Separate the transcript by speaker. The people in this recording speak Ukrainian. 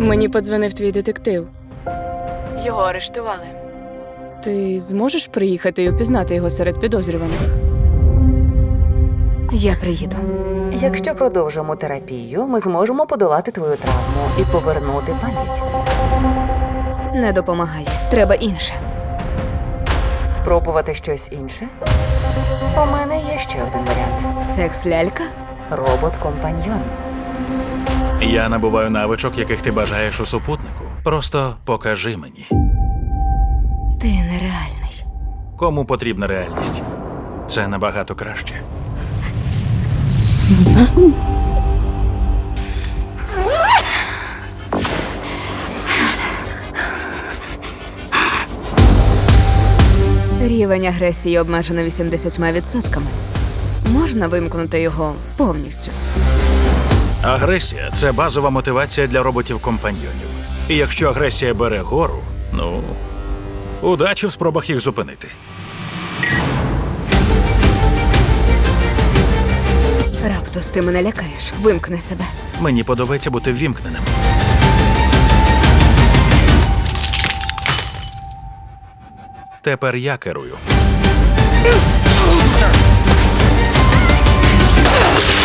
Speaker 1: Мені подзвонив твій детектив.
Speaker 2: Його арештували.
Speaker 1: Ти зможеш приїхати і опізнати його серед підозрюваних?
Speaker 3: Я приїду.
Speaker 4: Якщо продовжимо терапію, ми зможемо подолати твою травму і повернути пам'ять.
Speaker 3: Не допомагає. Треба інше.
Speaker 4: Спробувати щось інше? У мене є ще один варіант.
Speaker 3: Секс-лялька?
Speaker 4: Робот-компаньйон.
Speaker 5: Я набуваю навичок, яких ти бажаєш у супутнику. Просто покажи мені.
Speaker 3: Ти нереальний.
Speaker 5: Кому потрібна реальність? Це набагато краще.
Speaker 3: Рівень агресії обмежено 80%. Можна вимкнути його повністю.
Speaker 5: Агресія – це базова мотивація для роботів-компаньйонів. І якщо агресія бере гору, удачі в спробах їх зупинити.
Speaker 3: Раптус, ти мене лякаєш. Вимкни себе.
Speaker 5: Мені подобається бути ввімкненим. Тепер я керую.